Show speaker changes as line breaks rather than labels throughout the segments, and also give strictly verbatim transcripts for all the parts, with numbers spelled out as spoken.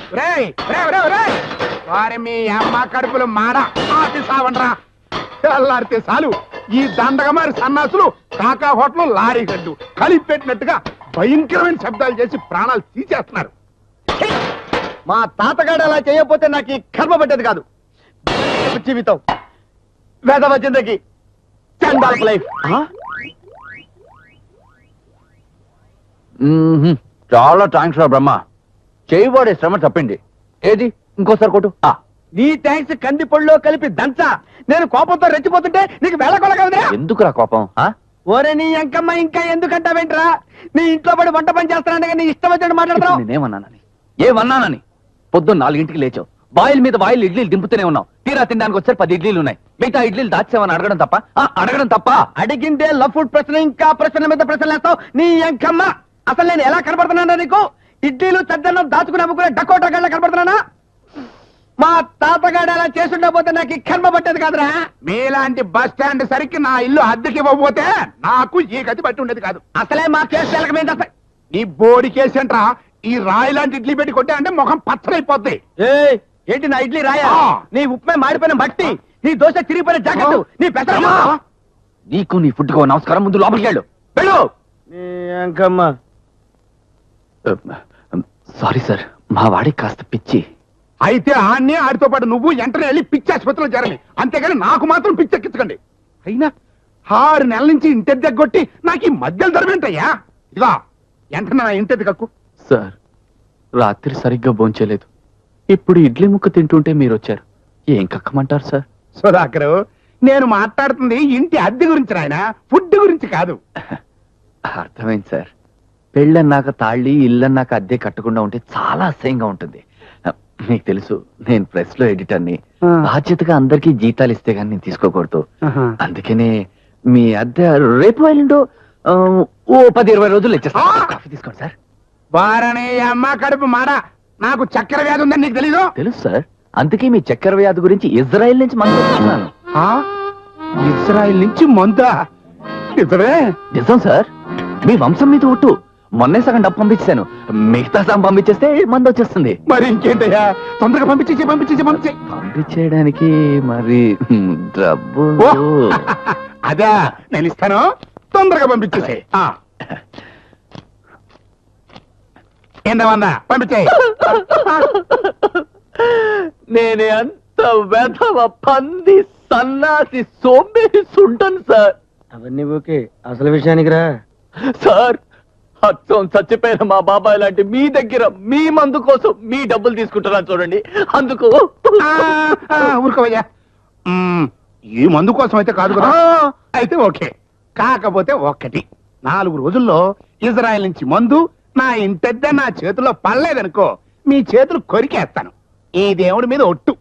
రేయ్ రేయ్ రేయ్ రేయ్ వారి మీ అమ్మ కడుపులు మాడ ఆతి సావండ్రా తెల్లారితే చాలు ఈ దండగమారి సన్నాసులు కాకా హోటల్ లారీ గడ్డు కలిపి పెట్టినట్టుగా భయంకరమైన శబ్దాలు చేసి ప్రాణాలు తీసేస్తున్నారు.
మా తాతగాడు అలా చేయకపోతే నాకు ఈ కర్మ పట్టేది కాదు. జీవితం వేదవ జిందగీ చండాల్ లైఫ్.
చాలా థ్యాంక్స్ రా బ్రహ్మ. చేయబడే శ్రమ తప్పింది. ఏది ఇంకోసారి కొట్టు.
నీ థ్యాంక్స్ కంది పొడిలో కలిపి దంచా. నేను కోపంతో రెచ్చిపోతుంటే నీకు వేళకొల కదరా.
ఎందుకురా కోపం?
ఓరే నీ అంకమ్మ ఇంకా ఎందుకంటావేంట్రా? నీ ఇంట్లో పడి వంట పని చేస్తానంటే నీ ఇష్టం వచ్చినట్టు మాట్లాడతావు.
నేనేమన్నానని ఏమన్నానని? పొద్దున్న నాలుగింటికి లేచావు, బాయిల్ మీద బాయిల్ ఇడ్లీలు దింపుతూనే ఉన్నావు. తీరా తినడానికి వచ్చారు పది ఇడ్లీలు ఉన్నాయి. మిగతా ఇడ్లీలు దాచావని అడగడం తప్ప? అడగడం తప్ప?
అడిగిందే లవ్ ఫుడ్ ప్రశ్న, ఇంకా ప్రశ్న మీద ప్రశ్నలు వేస్తావు. నీ అంకమ్మ అసలు నేను ఎలా కనబడుతున్నానా నీకు? ఇడ్లీలు చద్దన్నం దాచుకుని అమ్ముకునే డకోటా గళ్ళ కనబడుతున్నానా? మా తాతగాడు అలా చేసుండకపోతే నాకు ఈ కర్మ పట్టేది కాదురా.
మీలాంటి బస్ స్టాండ్ సరికి నా ఇల్లు అద్దెకి ఇవ్వకపోతే నాకు ఈ గతి పట్టి ఉండేది కాదు.
అసలే మా కేసు తెలకమైంది. అసలు
నీ బోడి కేసేంట్రా? ఈ రాయి లాంటి ఇడ్లీ పెట్టి కొట్టా అంటే ముఖం పచ్చరైపోద్ది.
ఏంటి నా ఇడ్లీ రాయా? నీ ఉప్మే మాడిపోయిన బట్టి, నీ దోశ చిరిగిపోయిన జాకెట్, నీ పెసర.
నీకు నీ ఫుడ్కో నమస్కారం. ముందు లోపలికి వెళ్ళు. వెళ్ళు. సారీ సార్, మా వాడికి కాస్త పిచ్చి.
అయితే ఆన్నే ఆడితో పాటు నువ్వు వెంటనే వెళ్ళి పిచ్చి ఆసుపత్రిలో చేరని, అంతేగాని నాకు మాత్రం పిచ్చెక్కించకండి. అయినా ఆరు నెలల నుంచి ఇంటి దగ్గొట్టి నాకు ఈ మధ్యలో ధరమేంటయ్యా? ఇదిగా వెంటనే నా ఇంటి కక్కు.
సార్, రాత్రి సరిగ్గా భోంచలేదు. ఇప్పుడు ఇడ్లీ ముక్క తింటుంటే మీరు వచ్చారు. ఏం కక్కమంటారు సార్?
సుధాకరు, నేను మాట్లాడుతుంది ఇంటి అద్దె గురించి రాయన, ఫుడ్ గురించి కాదు.
అర్థమైంది సార్. పెళ్ళన్నాక తాళ్ళి, ఇల్లన్నాక అద్దె కట్టకుండా ఉంటే చాలా అసహ్యంగా ఉంటుంది. మీకు తెలుసు, నేను ప్రెస్ లో ఎడిటర్ని. బాధ్యతగా అందరికీ జీతాలు ఇస్తే గానీ నేను తీసుకోకూడదు. అందుకనే మీ అద్దె రేపు వెళ్ళండు ఓ పది ఇరవై రోజులు ఇచ్చేస్తా. కాఫీ తీసుకోండి సార్.
వారనే అమ్మ కడుపు మాడ, నాకు చక్కెర వ్యాధి ఉందని నీకు తెలీదు?
తెలుసు సార్, అందుకే మీ చక్కెర వ్యాధి గురించి ఇజ్రాయెల్ నుంచి మందు తెచ్చుకున్నాను.
ఇజ్రాయెల్ నుంచి మందా? నిజమే?
నిజం సార్. మీ వంశం మీద ఒట్టు. మొన్నే సగం డబ్బు పంపించాను, మిగతా సగం పంపించేస్తే మందు వచ్చేస్తుంది.
మరి ఇంకేంటయ్యా, తొందరగా పంపించేసి పంపించేసి పంపించే.
పంపించేయడానికి మరి డబ్బు
అదా నేను ఇస్తాను, తొందరగా పంపించేసే. ఏందా పంపించే.
నేనే అంత వెధవ పంది సన్నాసి సోంబేరి సుంటను సార్.
అవన్నీ ఓకే, అసలు విషయానికి రా.
సార్, అచ్చం చచ్చిపోయిన మా బాబాయ్ లాంటి మీ దగ్గర మీ మందు కోసం మీ డబ్బులు తీసుకుంటున్నా చూడండి. అందుకు
ఊరుకోవయ్యా, ఈ మందు కోసం అయితే కాదు కదా. అయితే ఓకే, కాకపోతే ఒక్కటి, నాలుగు రోజుల్లో ఇజ్రాయెల్ నుంచి మందు నా ఇంటెద్ద నా చేతుల్లో పడలేదనుకో, మీ చేతులు కొరికేస్తాను. ఈ దేవుడి మీద ఒట్టు.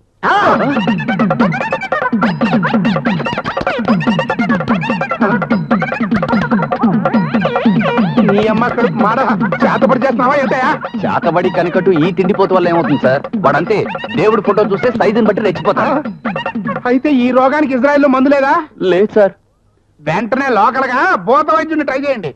నీ అమ్మ కడుపు మాడ, చేతపడి చేస్తున్నావా ఏంటయా?
చేతబడి కనికట్టు ఈ తిండిపోతు వల్ల ఏమవుతుంది సార్? వాడంతే దేవుడి ఫోటో చూస్తే సైజుని బట్టి రెచ్చిపోతా.
అయితే ఈ రోగానికి ఇజ్రాయెల్ లో మందు లేదా?
లేదు సార్.
వెంటనే లోకల్ గా భూత వైద్యుని ట్రై చేయండి.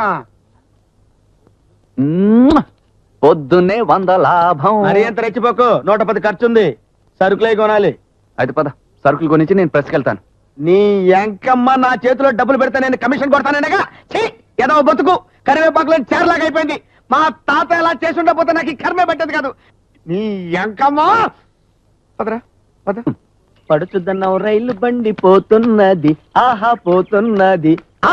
పొద్దున్నే వంద లాభం.
మరి ఎంత రెచ్చిపోకు, నూట పది ఖర్చుంది. సరుకులై కొనాలి.
అయితే పద, సరుకులు కొనిచ్చి నేను ప్రెస్కి వెళ్తాను.
నీ ఎంకమ్మ నా చేతిలో డబ్బులు పెడతా నేను కమిషన్ కొడతానగా. ఏదో బతుకు కరివేపాకులో చేరలాగా అయిపోయింది. మా తాత ఎలా చేసి ఉండకపోతే నాకు ఈ కర్మే పెట్టేది కాదు. నీ ఎంకమ్మ పదరా పద. పడుచుద్దన్నావు రైలు బండి పోతున్నది, ఆహా పోతున్నది.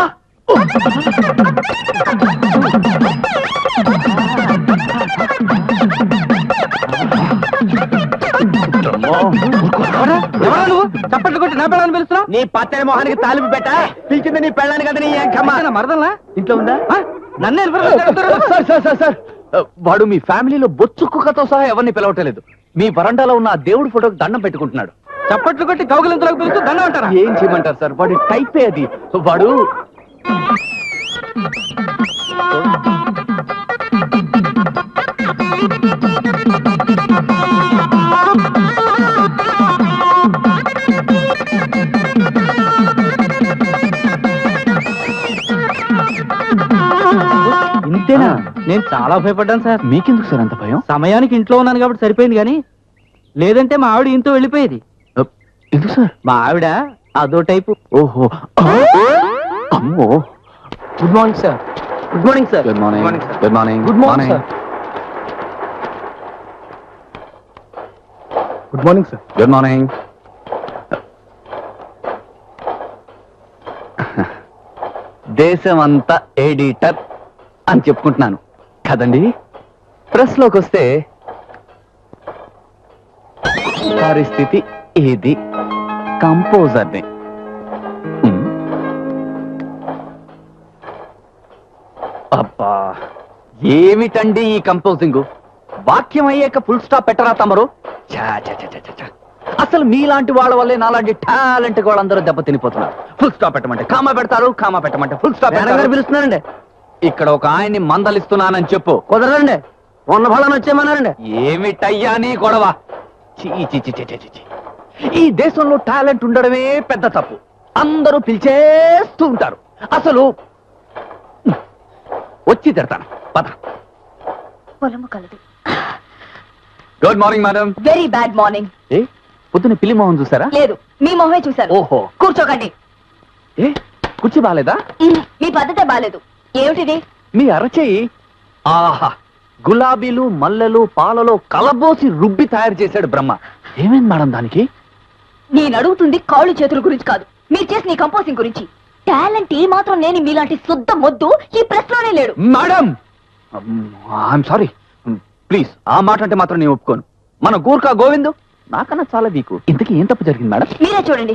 చప్పట్లు కొట్టి నా పెళ్ళని పిలుస్తున్నావు? నీ పచ్చని మొహానికి తాలిపి పెట్ట పిలిచింది నీ పెళ్ళాన్ని కదా. నీ మరదల్లా ఇంట్లో ఉందా? నన్నే
సార్, వాడు మీ ఫ్యామిలీలో బొచ్చు కుక్కతో సహా ఎవరిని పిలవటలేదు. మీ వరండాలో ఉన్న ఆ దేవుడి ఫోటోకి దండం పెట్టుకుంటున్నాడు.
చప్పట్లు కొట్టి కౌగిలింతలోకి పిలుస్తూ దండం అంటారా?
ఏం చేయమంటారు సార్, వాడి టైపే అది. వాడు
ఇంతేనా?
నేను చాలా భయపడ్డాను సార్.
మీకెందుకు సార్ అంత భయం?
సమయానికి ఇంట్లో ఉన్నాను కాబట్టి సరిపోయింది కానీ లేదంటే మా ఆవిడ ఇంతో వెళ్ళిపోయేది.
అ, ఎందుకు సార్?
మా ఆవిడ అదో టైపు.
ఓహో, అమ్మో.
Good morning sir. Good morning sir.
Good morning. Good morning.
Good morning sir.
Good morning sir.
Good morning. దేశం అంతా ఎడిటర్ అని చెప్పుకుంటున్నాను కదండి. ప్రెస్ లోకి వస్తే పరిస్థితి ఇది. కంపోజర్ని ఉమ్. అబ్బా, ఏమిటండి ఈ కంపోజింగ్? వాక్యం అయ్యాక ఫుల్ స్టాప్ పెట్టరా తమరు? ఛా, ఛా, ఛా, ఛా, ఛా, ఛా. అసలు మీలాంటి వాళ్ళ వల్లే నాలాంటి టాలెంట్ వాళ్ళందరూ దెబ్బ తినిపోతున్నారు. ఫుల్ స్టాప్ పెట్టమంటే కామా పెడతారు, కామా పెట్టమంటే ఫుల్ స్టాప్
మేడం పిలుస్తున్నారండి.
ఇక్కడ ఒక ఆయన్ని మందలిస్తున్నానని చెప్పు.
కుదరదండి. ఉన్న ఫలాన్ని వచ్చేయమన్నారండి.
ఏమిటయ్యా నీ గొడవ? చీ, చీ, చీ, చీ, చీ, చీ, చీ. ఈ దేశంలో టాలెంట్ ఉండడమే పెద్ద తప్పు. అందరూ పిలిచేస్తూ ఉంటారు. అసలు వచ్చి తిడతాను. పద.
పొలము కలదు.
Good morning madam.
Very bad morning.
ఏ పొద్దున్న పిల్లి మొహం చూసారా?
లేదు, మీ మొహమే చూశాను.
ఓహో.
కూర్చోకండి.
ఏ కుర్చీ బాలేదా?
ఉమ్, మీ పద్ధతే బాలేదు. ఏమిటిది?
మీ అరచేయి ఆహా, గులాబీలు మల్లెలు పాలలో కలబోసి రుబ్బి తయారు చేశాడు బ్రహ్మ. ఏమైంది మేడం దానికి?
నేను అడుగుతుంది కాళ్ళు చేతుల గురించి కాదు, మీరు చేసిన ఈ కంపోజింగ్ గురించి. టాలెంట్ ఏ మాత్రం లేని మీలాంటి శుద్ధ మొద్దు ఈ ప్రెస్ లోనే లేడు.
మేడం ఐఎమ్ సారీ, ప్లీజ్ ఆ మాట అంటే మాత్రం నేను ఒప్పుకోను. మన గూర్ఖా గోవిందు నాకన్నా చాలా వీకు. ఇంతకీ ఏం తప్పు జరిగింది మేడం?
మీరే చూడండి.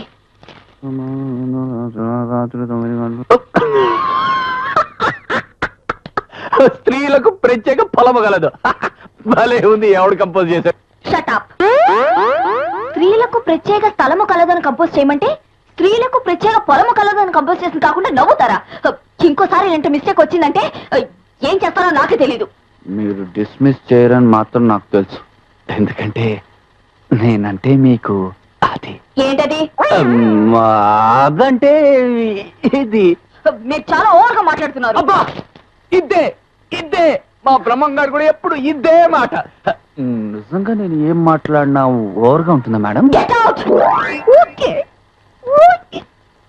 స్త్రీలకు ప్రత్యేక పొలము గలదు. భలే ఉంది. ఎవడు కంపోజ్ చేశాడు?
Shut up. స్త్రీలకు ప్రత్యేక స్థలము కలదని కంపోజ్ చేయమంటే స్త్రీలకు ప్రత్యేక పొలము కలదని కంపోజ్ చేసింది కాకుండా నవ్వుతారా? ఇంకోసారి ఇలాంటి మిస్టేక్ వచ్చిందంటే ఏం చేస్తారో నాకే తెలీదు.
మీరు డిస్మిస్ చేయరని మాత్రం నాకు తెలుసు. ఎందుకంటే నేనంటే మీకు అది.
ఏంటది?
అమ్, అదంటే ఇది.
మీరు చాలా ఓవర్గా మాట్లాడుతున్నారు.
అబ్బా, ఇద్దే ఇద్దే మా బ్రహ్మం గారు కూడా ఎప్పుడు ఇద్దే మాట. నిజంగా నేను ఏం మాట్లాడినా ఓవర్గా ఉంటుందా madam?
Get out! Okay okay.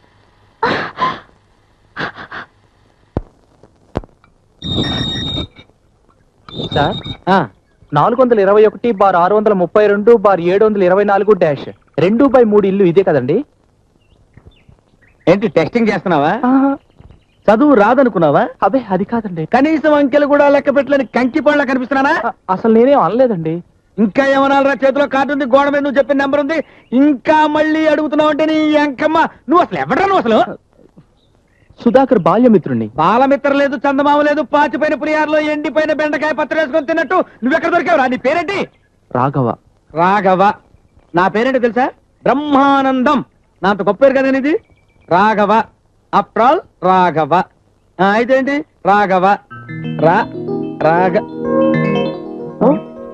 Sir నాలుగు వందల ఇరవై ఒకటి బార్ ఆరు వందల ముప్పై రెండు బార్ ఏడు వందల ఇరవై నాలుగు డాష్ రెండు బై మూడు ఇల్లు ఇదే కదండి?
ఏంటి టెస్టింగ్ చేస్తున్నావా? చదువు రాదనుకున్నావా?
అదే అది కాదండి.
కనీసం అంకెలు కూడా లెక్క పెట్టలేని కంకి పళ్ళ కనిపిస్తున్నానా?
అ- అసలు నేనేం అనలేదండి.
ఇంకా ఏమనాలరా? చేతిలో కార్డు ఉంది, గోడ మీద నువ్వు చెప్పిన నెంబర్ ఉంది, ఇంకా మళ్ళీ అడుగుతున్నావు అంటే నీ అంకమ్మ. నువ్వు అసలు ఎవడరా? నువ్వు అసలు
సుధాకర్ బాల్యమిత్రుణ్ణి.
బాలమిత్ర లేదు, చందమామ లేదు, పాచిపోయిన పులిహారలో ఎండిపోయిన బెండకాయ పత్రం వేసుకొని తిన్నట్టు నువ్వెక్కడ దొరికావురా? నీ పేరేంటి?
రాఘవ.
రాఘవ. నా పేరేంటి తెలుసా? బ్రహ్మానందం. నా అంత గొప్ప పేరు కదా ఇది. రాఘవ. అప్రాల్ రాఘవ. ఆ, అయితే ఏంటి? రాఘవ. రా రాఘ ఓ?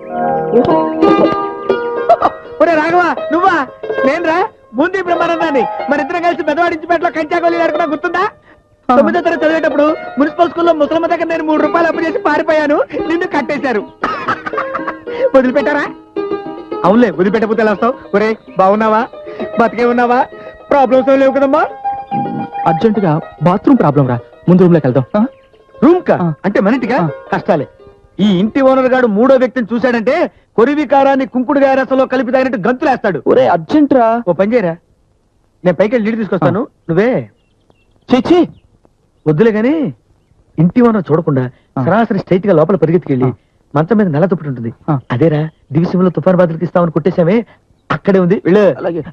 ఒరే రాఘవ, నువ్వా? నేను రా ముందు బ్రహ్మానందాన్ని. మన ఇద్దరం కలిసి పెద్దవాడించిపేటలో కంచాగోళీ ఆడుకున్నా గుర్తుందా? తొమ్మిదో తరగతి చదివేటప్పుడు మున్సిపల్ స్కూల్లో ముసలమ్మ దగ్గర నేను మూడు రూపాయలు అప్పు చేసి పారిపోయాను. నిన్ను కట్టేశారు. వదిలిపెట్టారా? అవునులే, వదిలిపెట్టకపోతే ఎలా వస్తావు? ఒరే బాగున్నావా? బతికే ఉన్నావా? ప్రాబ్లమ్స్ ఏం లేవు కదమ్మా?
అర్జెంటుగా బాత్రూమ్ ప్రాబ్లం రా, ముందు రూమ్ లోకి వెళ్దాం.
రూమ్ కా
ఆ.
అంటే మన ఇంటికా?
ఆ.
కష్టాలే. ఈ ఇంటి ఓనర్ గాడు మూడో వ్యక్తిని చూశాడంటే కొరివి కారాన్ని కుంకుడుగా రసంలో కలిపి తాగినట్టు గంతులేస్తాడు.
ఒరే అర్జెంట్ రా.
ఓ పని చేయరా, నేను పైకి వెళ్ళి నీళ్ళు తీసుకొస్తాను, నువ్వే
చేచి
వద్దులే గాని ఇంటి ఓనర్ చూడకుండా
ఆ.
సరాసరి స్ట్రైట్ గా లోపల పరిగెత్తుకెళ్ళి
ఆ.
మంచం మీద నల్ల దుప్పటి ఉంటుంది,
ఆ.
అదేరా దివిసంలో తుఫాన్ బాధలకు ఇస్తామని కొట్టేశామే, అక్కడే ఉంది, వెళ్ళు.
అలాగే.